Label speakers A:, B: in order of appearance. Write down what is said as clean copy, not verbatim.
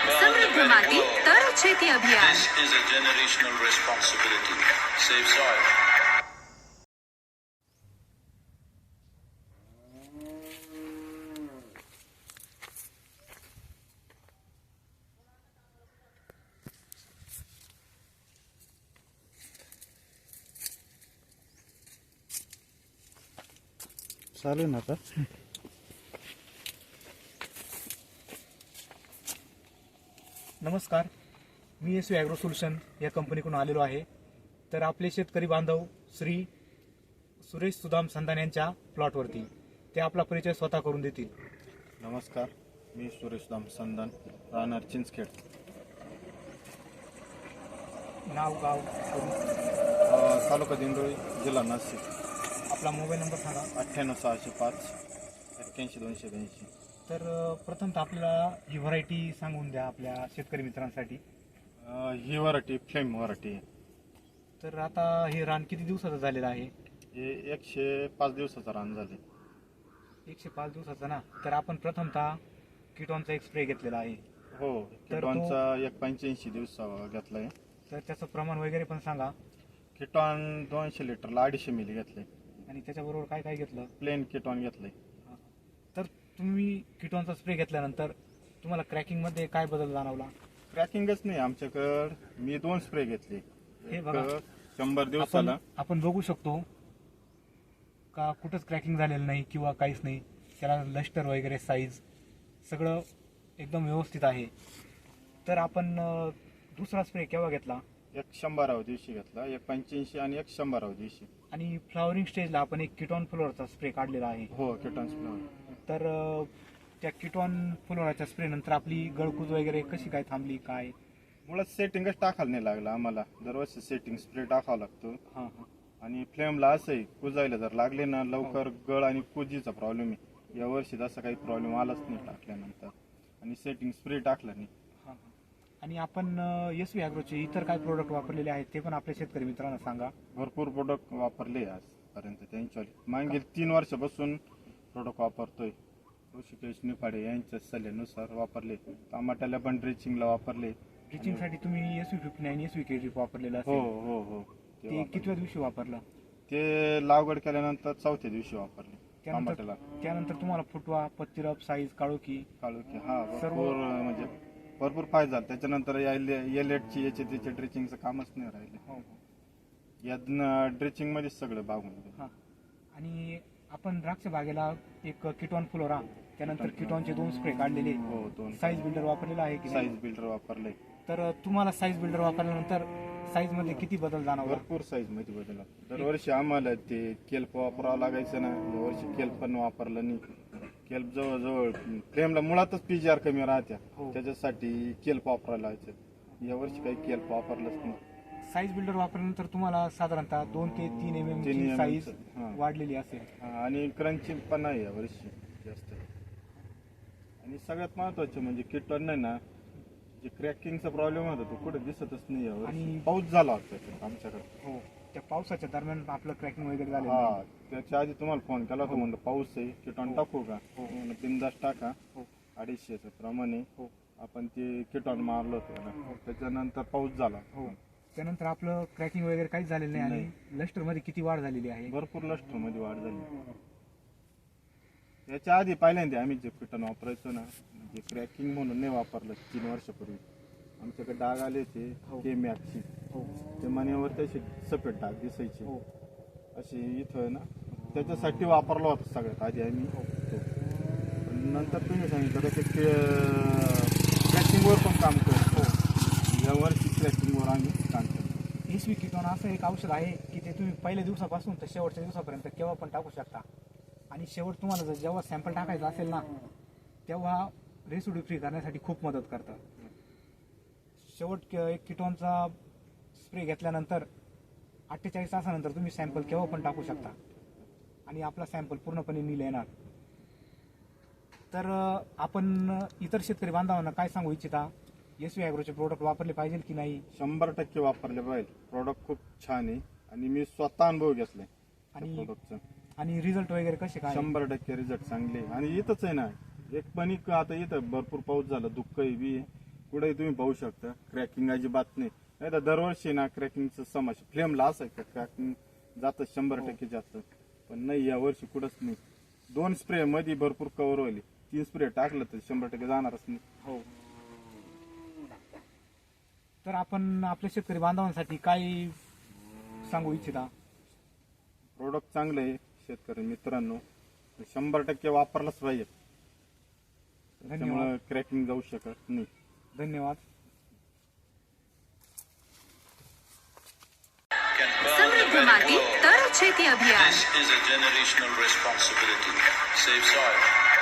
A: समृद्ध माती तर शेती अभियान.
B: This is a generational responsibility. Save soil.
C: चालू ना आता.
D: नमस्कार, मी एस ॲग्रो सोल्युशन या कंपनीकडून आलेलो आहे. तर आपले शेतकरी बांधव श्री सुरेश सुदाम संधान यांच्या प्लॉटवरती ते आपला परिचय स्वतः करून देतील.
C: नमस्कार, मी सुरेश दाम संधान, राहणार चिंचखेड,
D: नाव गाव करून
C: तालुका दिंडोळी, जिल्हा नाशिक.
D: आपला मोबाईल नंबर सांगा.
C: 98-605-81-282.
D: तर प्रथमतः आपल्याला ही व्हरायटी सांगून द्या आपल्या शेतकरी मित्रांसाठी.
C: ही व्हरायटी फ्लेम व्हरायटी आहे.
D: तर आता हे रान किती दिवसाचं झालेलं आहे?
C: हे 105 दिवसाचा रान झाले.
D: 105 दिवसाचं ना. तर आपण प्रथमतः किटॉनचा एक स्प्रे घेतलेला आहे.
C: हो, किटॉनचा 85 दिवस घेतला आहे.
D: तर त्याचं प्रमाण वगैरे पण सांगा.
C: किटॉन 200 लिटरला 250 मिली घेतले.
D: आणि त्याच्याबरोबर काय काय घेतलं?
C: प्लेन किटॉन घेतलंय.
D: तर तुम्ही किटॉनचा स्प्रे घेतल्यानंतर तुम्हाला क्रॅकिंगमध्ये काय बदल जाणवला?
C: क्रॅकिंगच नाही आमच्याकडं. मी 2 स्प्रे घेतले.
D: हे बघा,
C: 100 दिवसाला
D: आपण बघू शकतो का कुठंच क्रॅकिंग झालेलं नाही किंवा काहीच नाही. त्याला लस्टर वगैरे साईज सगळं एकदम व्यवस्थित आहे. तर आपण दुसरा स्प्रे केव्हा घेतला?
C: 100व्या दिवशी घेतला. 185 आणि 100व्या दिवशी.
D: आणि फ्लॉवरिंग स्टेजला आपण एक किटॉन फ्लोअरचा स्प्रे काढलेला आहे.
C: हो, किटॉन स्प्रे.
D: तर त्या किटॉन फ्लोअरच्या स्प्रे नंतर आपली गळकूज वगैरे कशी काय थांबली काय?
C: मुळात सेटिंगच टाकायला नाही लागला आम्हाला. दरवर्षी सेटिंग स्प्रे टाकावा लागतो.
D: हां हां.
C: आणि फ्लेमला असंही कुजायला जर लागले ना लवकर गळ आणि कुजीचा प्रॉब्लेम आहे. यावर्षी तसा काही प्रॉब्लेम आलाच नाही टाकल्यानंतर. आणि सेटिंग स्प्रे टाकला नाही.
D: हां हां. आणि आपण एस व्ही ॲग्रोचे इतर काय प्रोडक्ट वापरलेले आहेत ते पण आपल्या शेतकरी मित्रांना सांगा.
C: भरपूर प्रोडक्ट वापरले आजपर्यंत. त्यांच्या मागील 3 वर्षापासून प्रोडक्ट वापरतोय. ऋषिकेश निफाडे यांच्या सल्ल्यानुसार वापरले. टमाट्याला पण ड्रिचिंगला वापरले.
D: ड्रिचिंगसाठी तुम्ही SV59 आणि SV वापरलेलं
C: हो
D: असेल.
C: हो हो.
D: ते कितव्या दिवशी वापरलं?
C: ते लागवड केल्यानंतर 4थ्या दिवशी वापरले
D: त्यानंतर
C: टमाट्याला.
D: त्यानंतर तुम्हाला फुटवा, पत्तीरप, साईज, काळोखी
C: काळोखी हा
D: सर्व-
C: भरपूर म्हणजे भरपूर फायदा झाला. त्याच्यानंतर एलेटची याचे त्याचे ड्रिचिंगचं कामच नाही राहिले.
D: हो
C: या ड्रिचिंग मध्येच सगळं बागून गेलं.
D: हां. आणि आपण द्राक्ष बागेला एक किटॉन फ्लोरा, त्यानंतर किटॉनचे 2 स्प्रे काढलेले.
C: हो, 2
D: साईज बिल्डर वापरलेला आहे की नाही?
C: साईज बिल्डर वापरले.
D: तर तुम्हाला साईज बिल्डर वापरल्यानंतर साईज मध्ये किती बदल जाणवला?
C: भरपूर साईज मध्ये बदल. दरवर्षी आम्हाला ते केल्प वापरावं लागायचं ना. यावर्षी केल्प पण वापरलं नाही. केल्प जवळजवळ फ्लेमला मुळातच PGR कमी राहत्या.
D: हो.
C: त्याच्यासाठी केल्प वापरायला लावायचं. यावर्षी काही केल्प वापरलंच नाही.
D: साईज बिल्डर वापरल्यानंतर तुम्हाला साधारणतः 2 ते 3 mm ची साईज वाढलेली असेल.
C: आणि क्रंचिंग पण नाही यावर्षी जास्त. आणि सगळ्यात महत्वाचं म्हणजे किटॉन नाही ना, जे क्रॅकिंगचा प्रॉब्लेम होता तो कुठे दिसतच नाही यावर्षी.
D: आणि
C: पाऊस झाला होता आमच्याकडे.
D: हो, त्या पावसाच्या दरम्यान आपलं क्रॅकिंग वगैरे झालं.
C: हा, त्याच्या आधी तुम्हाला फोन केला होता. म्हणलं पाऊस आहे, किटॉन टाकू का? बिंदास टाका.
D: हो.
C: 250 प्रमाणे
D: हो.
C: आपण ते किटॉन मारलं होतं ना. त्याच्यानंतर पाऊस झाला.
D: हो. त्यानंतर आपलं क्रॅकिंग वगैरे काहीच झालेलं नाही. आणि लस्टर मध्ये किती वाढ झालेली आहे?
C: भरपूर लस्टर मध्ये वाढ झाली. याच्या आधी पहिल्यांदा आम्ही जे किटॉन वापरायचो ना, म्हणजे क्रॅकिंग म्हणून नाही वापरलं. 3 वर्षापूर्वी आमच्याकडे डाग आले होते. ते मॅक्सी ते मण्यावर त्याचे सफेद डाग दिसायचे. असे इथं ना, त्याच्यासाठी वापरला होता सगळ्यात आधी आम्ही. पण नंतर तुम्ही सांगितलं का ते क्रॅकिंगवर पण काम करतो. यावर्षी क्रॅकिंगवर आम्ही काम करतो.
D: SV किटॉन असं एक औषध आहे की ते तुम्ही पहिल्या दिवसापासून तर शेवटच्या दिवसापर्यंत केव्हा पण टाकू शकता. आणि शेवट तुम्हाला जर जेव्हा सॅम्पल टाकायचं असेल ना, तेव्हा रेसिड्यू फ्री करण्यासाठी खूप मदत करतं. शेवट एक किटॉनचा स्प्रे घेतल्यानंतर 48 तासानंतर तुम्ही सॅम्पल केव्हा पण टाकू शकता आणि आपला सॅम्पल पूर्णपणे नील येणार. तर आपण इतर शेतकरी बांधवांना काय सांगू इच्छिता? SV ॲग्रोचे प्रोडक्ट वापरले पाहिजे की नाही?
C: 100% वापरले पाहिजे. प्रोडक्ट खूप छान आहे आणि मी स्वतः अनुभव घेतलाय
D: आणि
C: प्रोडक्टचा.
D: आणि रिझल्ट वगैरे कसे काय?
C: 100% रिझल्ट चांगले. आणि इथंच आहे ना, एक पण आता इथं भरपूर पाऊस झाला, दुःख बी पुढे तुम्ही पाहू शकता क्रॅकिंग अजिबात नाही. नाही तर दरवर्षी ना क्रॅकिंगचं समस्या फ्लेमला असायचं, क्रॅकिंग जातं 100% जातं, पण नाही या वर्षी कुठंच नाही. 2 स्प्रे मध्ये भरपूर कव्हर होईल, 3 स्प्रे टाकलं तर 100% जाणारच नाही.
D: हो. तर आपण आपल्या शेतकरी बांधवांसाठी काय सांगू इच्छिता?
C: प्रोडक्ट चांगलं आहे शेतकरी मित्रांनो, 100% वापरलाच पाहिजे. त्यामुळे क्रॅकिंग जाऊ शकत नाही.
D: धन्यवाद.
B: Can burn the
A: समृद्ध
B: very
A: माती
B: world.
A: तर शेती अभियान.
B: This is a generational responsibility. Save soil.